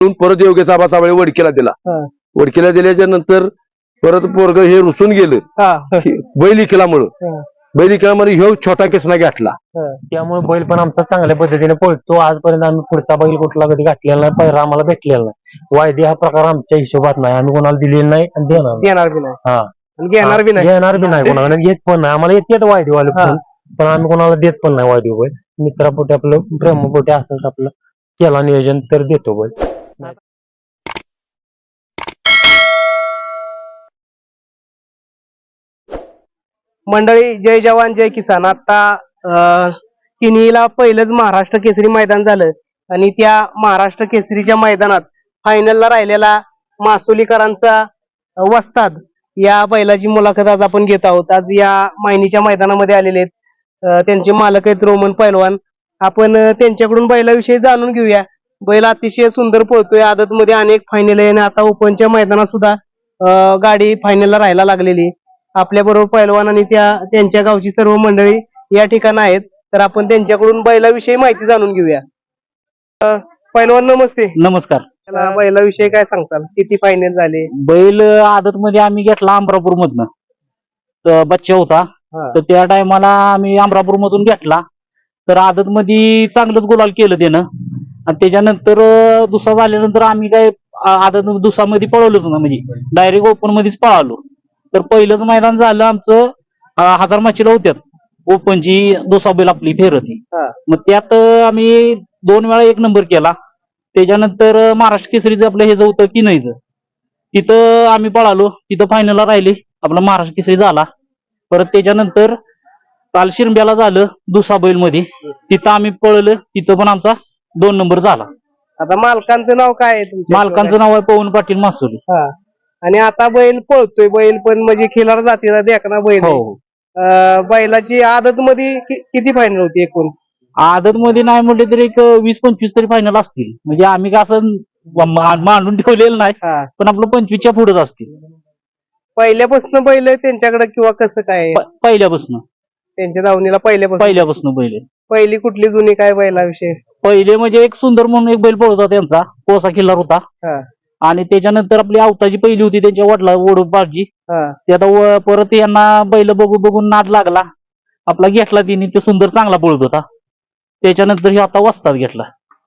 परत योग्य आबाचा वेळ वडकीला दिला. वडकीला दिल्याच्या नंतर परत पोरग हे रुसून गेलं बैल इकल्यामुळं. बैल इकल्यामुळे ह्यो छोटा किसना घातला. त्यामुळे बैल पण आमचा चांगल्या पद्धतीने पळतो. आजपर्यंत आम्ही पुढचा बैल कुठला कधी घातलेला नाही, पैरा आम्हाला भेटलेला नाही. वायदे हा प्रकार आमच्या हिशोबात नाही, आम्ही कोणाला दिलेला नाही आणि देणार बी नाही. घेणार बी नाही कोणाला, घेत पण नाही. आम्हाला येते वायदेवाले पण आम्ही कोणाला देत पण नाही वायदे बैल. मित्रापोटी आपलं प्रेमापोटी असंच आपलं केला नियोजन तर देतो बैल. मंडळी, जय जवान जय किसान. आता किनीला पहिलंच महाराष्ट्र केसरी मैदान झालं आणि त्या महाराष्ट्र केसरीच्या मैदानात फायनलला राहिलेला मासोलीकरांचा वस्ताद या बैलाची मुलाखत आज आपण घेत आहोत. आज या मायनीच्या मैदानामध्ये आलेले आहेत त्यांचे मालक आहेत रोमन पैलवान. आपण त्यांच्याकडून बैलाविषयी जाणून घेऊया. बैल अतिशय सुंदर पळतोय, आदत मध्ये अनेक फायनल आहे आणि आता ओपनच्या मैदानात सुद्धा गाडी फायनलला राहायला लागलेली. आपल्या बरोबर पैलवान आणि त्यांच्या गावची सर्व मंडळी या ठिकाणी आहेत, तर आपण त्यांच्याकडून बैलाविषयी माहिती जाणून घेऊया. पैलवान नमस्ते. नमस्कार. बैलाविषयी काय सांगताल? किती फायनल झाले? बैल आदत मध्ये आम्ही घेतला अमरापूर मधनं, बच्चा होता तर त्या टायमाला आम्ही अमरापूर मधून घेतला. तर आदत मध्ये चांगलंच गुलाल केलं त्यानं आणि त्याच्यानंतर दुसरा झाल्यानंतर आम्ही काय आदत दुसऱ्यामध्ये पळवलोच ना, म्हणजे डायरेक्ट ओपन मध्येच पळालो. तर पहिलंच मैदान झालं आमचं 1000 माचीला होत्यात ओपनची दुसरा बैल आपली फेरती. मग त्यात आम्ही 2 वेळा 1 नंबर केला. त्याच्यानंतर महाराष्ट्र केसरीचं आपलं हे होतं की नाहीच, तिथं आम्ही पळालो, तिथं फायनलला राहिले, आपला महाराष्ट्र केसरी झाला. परत त्याच्यानंतर काल शिरंब्याला झालं दुसरा बैल मध्ये, तिथं आम्ही पळलं, तिथं पण आमचा 2 नंबर झाला. आता मालकांचं नाव काय आहे? मालकांचं नाव आहे पवन पाटील मासोली. आणि आता बैल पळतोय, बैल पण म्हणजे खिलार जातीचा देखना बैल. बैलाची आदत मध्ये किती फायनल होती एकूण? आदत मध्ये नाही म्हटले तरी एक 20-25 तरी फायनल असतील. म्हणजे आम्ही का असं मांडून ठेवलेलं नाही, पण आपलं 25च्या पुढेच असतील. पहिल्यापासून बैल त्यांच्याकडे किंवा कसं काय? पहिल्यापासून त्यांच्या दावणीला पहिल्यापासून बैल. पहिली कुठली जुनी काय बैलाविषयी? पहिले म्हणजे एक सुंदर म्हणून एक बैल पळत होता त्यांचा, कोसा खिल्लार होता. आणि त्याच्यानंतर आपली आवताची पहिली होती त्यांच्या वडला वडोबाजी. ते आता परत यांना बैल बघून नाद लागला, आपला घेतला तिने. ते सुंदर चांगला पळत होता. त्याच्यानंतर हे आता वस्ताद घेतला.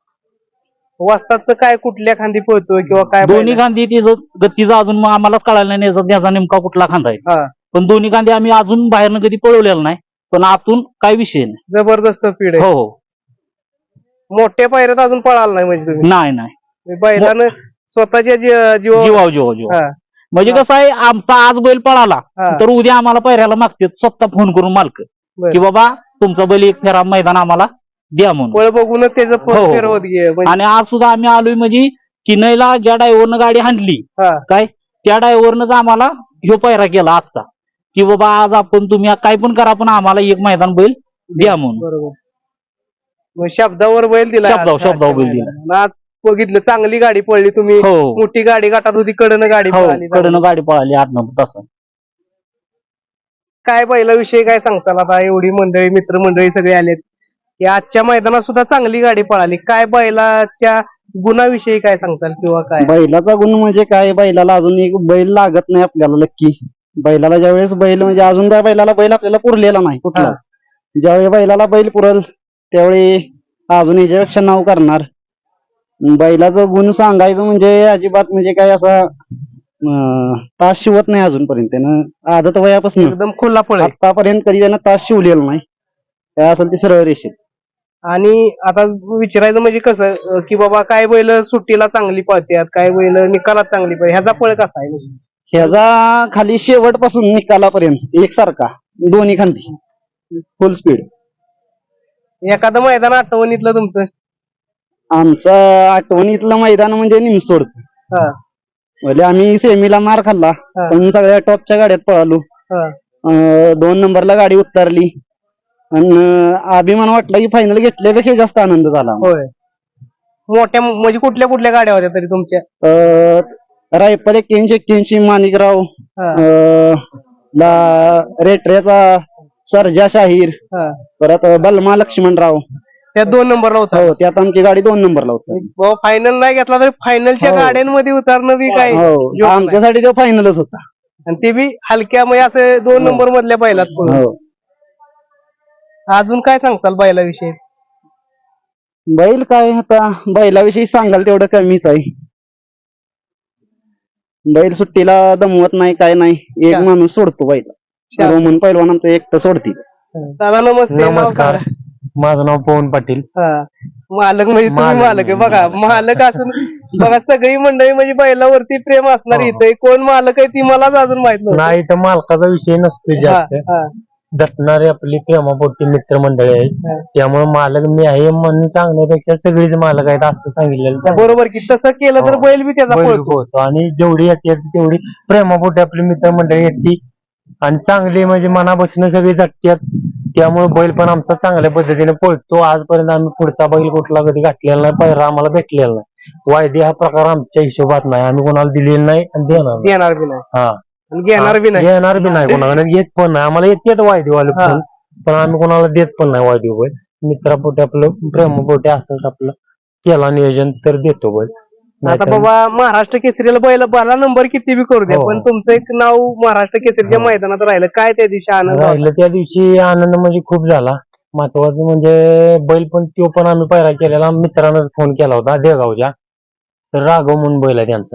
वस्तादचं काय कुठल्या खांदी पळतोय किंवा काय? दोन्ही खांदी गतीचा अजून आम्हालाच कळायला नाही त्याचा नेमका कुठला खांदा आहे. पण दोन्ही खांदी आम्ही अजून बाहेरनं कधी पळवलेला नाही, पण आतून काय विषय नाही. जबरदस्त स्पीड आहे. हो. मोठ्या पायऱ्यात अजून पळाला नाही म्हणजे तुम्ही? नाही. बैलानं स्वतःच्या जीव म्हणजे कसं आहे, आमचा आज बैल पळाला तर उद्या आम्हाला पायऱ्याला मागते स्वतः फोन करून मालक की बाबा तुमचा बैल एक फेरा मैदान आम्हाला द्या म्हणून. पळ बघूनच त्याचं फेरवत गे. आणि आज सुद्धा आम्ही आलोय म्हणजे किनईला ज्या ड्रायव्हरनं गाडी हाणली काय, त्या ड्रायव्हरनंच आम्हाला ह्यो पायरा केला आजचा, की बाबा आज आपण तुम्ही काय पण करा पण आम्हाला एक मैदान बैल द्या म्हणून. बरोबर. शब्दावर बैल दिला. शब्दावर बैल दिला. आज बघितलं चांगली गाडी पडली तुम्ही. मोठी गाडी गाठात होती, कडनं गाडी पळाली 8-9 तास. काय बैलाविषयी काय सांगताल? आता एवढी मंडळी मित्रमंडळी सगळे आलेत की आजच्या मैदानात सुद्धा चांगली गाडी पळाली. काय बैलाच्या गुणाविषयी काय सांगताल किंवा काय? बैलाचा गुण म्हणजे काय, बैलाला अजून एक बैल लागत नाही आपल्याला. नक्की बैलाला ज्यावेळेस बैल म्हणजे अजून त्या बैलाला बैल आपल्याला पुरलेला नाही कुठला. ज्यावेळी बैलाला बैल पुरल त्यावेळी अजून याच्यापेक्षा नाव करणार. बैलाचं गुण सांगायचं म्हणजे अजिबात म्हणजे काय असा तास शिवत नाही अजूनपर्यंत. त्यानं आदत वयापासून एकदम खुला पळ आतापर्यंत कधी त्यानं तास शिवलेला नाही. काय असेल ते सरळ रेषेत. आणि आता विचारायचं म्हणजे कसं की बाबा काय बैल सुट्टीला चांगली पळतात, काय बैल निकालात चांगली पळते, ह्याचा पळ कसा आहे? ह्याचा खाली शेवटपासून निकालापर्यंत एकसारखा, दोन्ही खांदी फुल स्पीड. एखादं मैदान आठवणीतलं तुमचं? आमचं आठवणीतलं मैदान म्हणजे निमसोडच. म्हणजे आम्ही सेमीला मार खाल्ला पण सगळ्या टॉपच्या गाड्यात पळालो. 2 नंबरला गाडी उतरली आणि अभिमान वाटला की फायनल घेतल्यापेक्षा जास्त आनंद झाला. होय. मोठ्या म्हणजे कुठल्या कुठल्या गाड्या होत्या तरी तुमच्या? रायफल 81 माणिकराव, रेटऱ्याचा सर्जा शाहीर, परत बलमा लक्ष्मणराव, त्या 2 नंबरला होता हो त्यात आमची गाडी 2 नंबरला होती. फायनल नाही घेतला तरी फायनलच्या हो. गाड्यांमध्ये उतरणं बी काय हो joke नाही. आमच्यासाठी तो फायनलच होता. आणि ते बी हलक्या म्हणजे असं 2 हो. नंबर मधल्या बैलात पळून. हो अजून काय सांगताल बैलाविषयी? बैल काय आता बैलाविषयी सांगाल तेवढं कमीच आहे. बैल सुट्टीला दमवत नाही काय नाही, एक शांत. माणूस सोडतो बैल. शांत. रोमन पैलवान आमचं एकटं सोडती. दादा नमस्ते. नाव नमस्कार. सांगा. माझं नाव पवन पाटील. हा. मालक म्हणजे तुम्ही मालक आहे बघा. मालक असून बघा सगळी मंडळी म्हणजे बैलावरती प्रेम असणार हो. इथे कोण मालक आहे ती मलाच अजून माहित नव्हतं. नाही तर मालकाचा विषय नसतो हा, जास्त. हा, जटणारे आपली प्रेमापोटी मित्रमंडळी आहेत. हा. त्यामुळे मालक मी आहे म्हणून सांगण्यापेक्षा सगळीच मालक आहेत असं सांगितलेलं चांगलं. बरोबर की तसं केलं तर हो. बैल बी त्याचा बैल पळतो. पोहतो आणि जेवढी येते तेवढी प्रेमापोटी आपली मित्रमंडळी येते आणि चांगली म्हणजे मनापासून सगळी जगतात. त्यामुळे बैल पण आमचा चांगल्या पद्धतीने पळतो. आजपर्यंत आम्ही पुढचा बैल कुठला कधी घातलेला नाही, पहिला आम्हाला भेटलेला नाही. वायदे हा प्रकार आमच्या हिशोबात नाही, आम्ही कोणाला दिलेला नाही आणि देणार नाही. देणार बी नाही हा आणि घेणार बी नाही. घेणार बी नाही कोणाला, येत पण नाही. आम्हाला येतात वायदेवाले हा. पण आम्ही कोणाला देत पण नाही वायदे बैल. मित्रापोटी आपलं प्रेमापोटी असंच आपलं केला नियोजन तर देतो बैल. आता नाहीतर- बाबा महाराष्ट्र केसरीला बैल बाला नंबर किती बी करू द्या हो. पण तुमचं एक नाव महाराष्ट्र केसरीच्या हो. मैदानात राहिलं काय त्या दिवशी आनंद होता? राहिलं त्या दिवशी आनंद म्हणजे खूप झाला. महत्वाचं म्हणजे बैल पण तो पण आम्ही पैरा केलेला मित्रांनाच फोन केला होता देगावच्या. तर राघव म्हणून बैल आहे त्यांचा.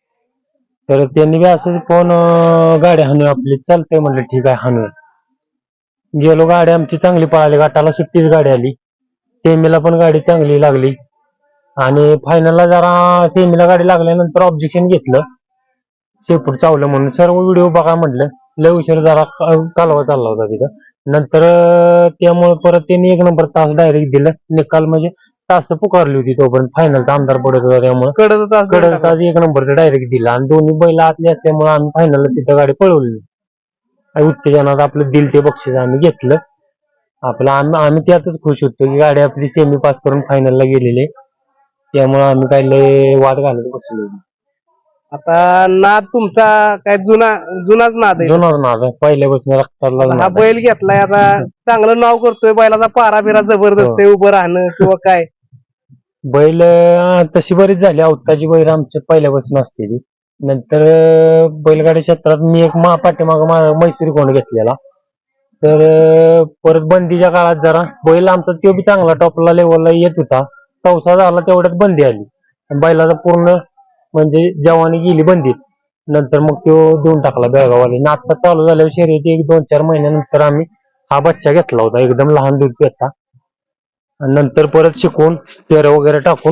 तर त्यांनी बी असंच फोन गाडी हाणूया आपली चालतंय म्हणलं ठीक आहे हाणूया. गेलो गाडी आमची चांगली पळाली, गटाला सुट्टीच गाडी आली, सेमीला पण गाडी चांगली लागली आणि फायनलला जरा सेमीला गाडी लागल्यानंतर ऑब्जेक्शन घेतलं शेपूट चावलं म्हणून. सर्व व्हिडिओ बघा म्हटलं, लय उशीर जरा कालवा चालला होता तिथं. नंतर त्यामुळे परत त्यांनी 1 नंबर तास डायरेक्ट दिलं. निकाल म्हणजे तास पुकारली होती तोपर्यंत फायनलचा आमदार पडत होता त्यामुळे कडत कडक तास 1 नंबरचं डायरेक्ट दिलं आणि दोन्ही बैल आतले असल्यामुळे आम्ही फायनलला तिथं गाडी पळवली. आणि उत्तेजनात आपलं दिल ते बक्षीस आम्ही घेतलं. आपलं आम्ही त्यातच खुश होतो की गाडी आपली सेमी पास करून फायनलला गेलेली. त्यामुळे आम्ही काही लय वाद घालत बसलो. आता नाद तुमचा काय जुनाच नाद आहे. जुनार नाद आहे, पहिल्यापासून रक्ताला हा नाद आहे. बैल घेतलाय आता चांगलं नाव करतोय बैलाचा पारा बिरा जबरदस्त आहे उभं राहणं किंवा काय. बैल तशी बरीच झाली. अवताची बैल आमच्या पहिल्यापासून असते ती. नंतर बैलगाडी क्षेत्रात मी एक पाठीमाग मैसूरी कोण घेतलेला. तर परत बंदीच्या काळात जरा बैल आमचा तो बी चांगला टॉपला लेवलला येत होता. चौसा झाला तेवढ्यात बंदी आली. बैलाचा पूर्ण म्हणजे जवानी गेली बंदीत. नंतर मग तो देऊन टाकला बेळगाववाले. आता चालू झाल्यावर शर्यती 1-2-4 महिन्यानंतर आम्ही हा बच्चा घेतला होता, एकदम लहान दूध पेता. नंतर परत शिकवून पेरं वगैरे टाकून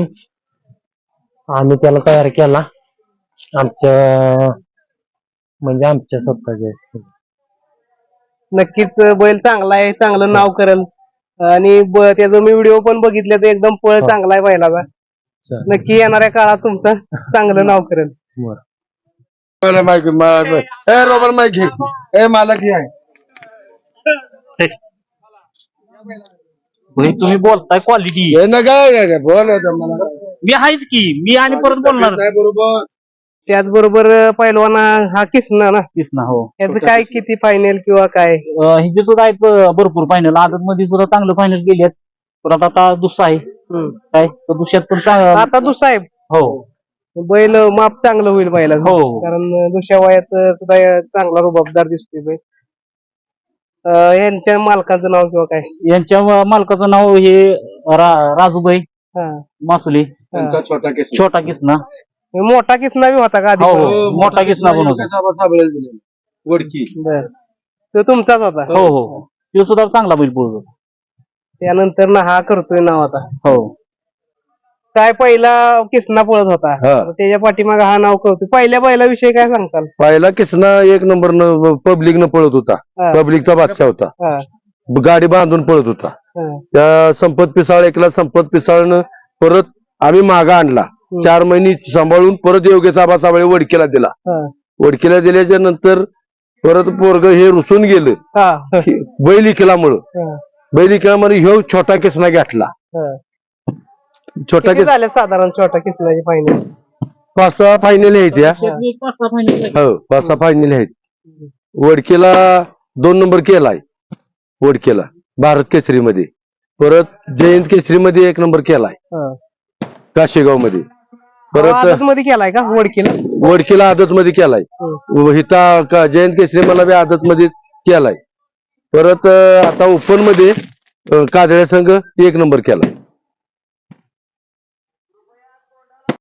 आम्ही त्याला तयार केला आमच्या म्हणजे आमच्या स्वतःच्या. नक्कीच बैल चांगला आहे, चांगलं नाव करेल आणि त्याचा मी व्हिडिओ पण बघितले तर एकदम पळ हो. चांगला आहे बैलाचा. चालेल. नक्की येणाऱ्या काळात तुमचं चांगलं नाव करेल. रोबर माईक घे. मालक हे आहे. तुम्ही बोलताय क्वालिटी हे ना काय बोल मला मी आहेच की मी आणि परत बोलणार नाही बरोबर. त्याचबरोबर पैलवाना हा किसना ना तेच ना. हो याचं काय किती फायनल किंवा काय? हिचे सुद्धा आहेत भरपूर फायनल. आदत मध्ये सुद्धा चांगलं फायनल गेलेत. परत आता दुसरा आहे काय तर दुसऱ्यात पण चांगलं. आता दुसाहेब हो बैल माप चांगलं होईल बैलाचं. हो. कारण दुसऱ्या वयात सुद्धा चांगला रुबाबदार दिसतोय बैल. यांच्या मालकाचं नाव किंवा काय? यांच्या मालकाचं नाव हे राजूबाई हा. मासुली, त्यांचा छोटा केस छोटा किसना. मोठा किसना बी होता का आधी? हो हो मोठा किसना पण होता. वडकी. बर तो तुमचाच होता. हो हो तो सुद्धा चांगला बैल पळतो. त्यानंतर ना हा करतोय नाव आता. हो काय पहिला किसना पळत होता हा. त्याच्या पाठीमागे हा नाव करतोय. पहिल्या बैलाविषयी काय सांगताल? पहिला किसना 1 नंबर पब्लिक न पळत होता. हा. पब्लिकचा बादशाह होता. हा. गाडी बांधून पळत होता. हा. त्या संपत पिसाळ एकला संपत पिसाळनं परत आम्ही मागा आणला. 4 महिने सांभाळून परत योगेश आबा साबळे वडकीला दिला. हा. वडकीला दिल्याच्या नंतर परत पोरग हे रुसून गेलं हा. बैल इकल्यामुळं. हा. बैल इकल्यामुळे ह्यो छोटा किसना घेतला. हा. छोटा किती झाले साधारण छोटा किसनाची फायनल? 5-6 फायनल आहेत या. 5-6 फायनल. हो 5-6 फायनल आहेत. वडकीला 2 नंबर केलाय. वडकीला भारत केसरी मध्ये परत जयंत केसरी मध्ये 1 नंबर केलाय काशेगाव मध्ये. परत आदत मध्ये केलाय का वडकीला? वडकीला आदत मध्ये केलाय. हिता जयंत केसरी मला बी आदत मध्ये केलाय. परत आता ओपन मध्ये काजळ्या संघ 1 नंबर केलाय.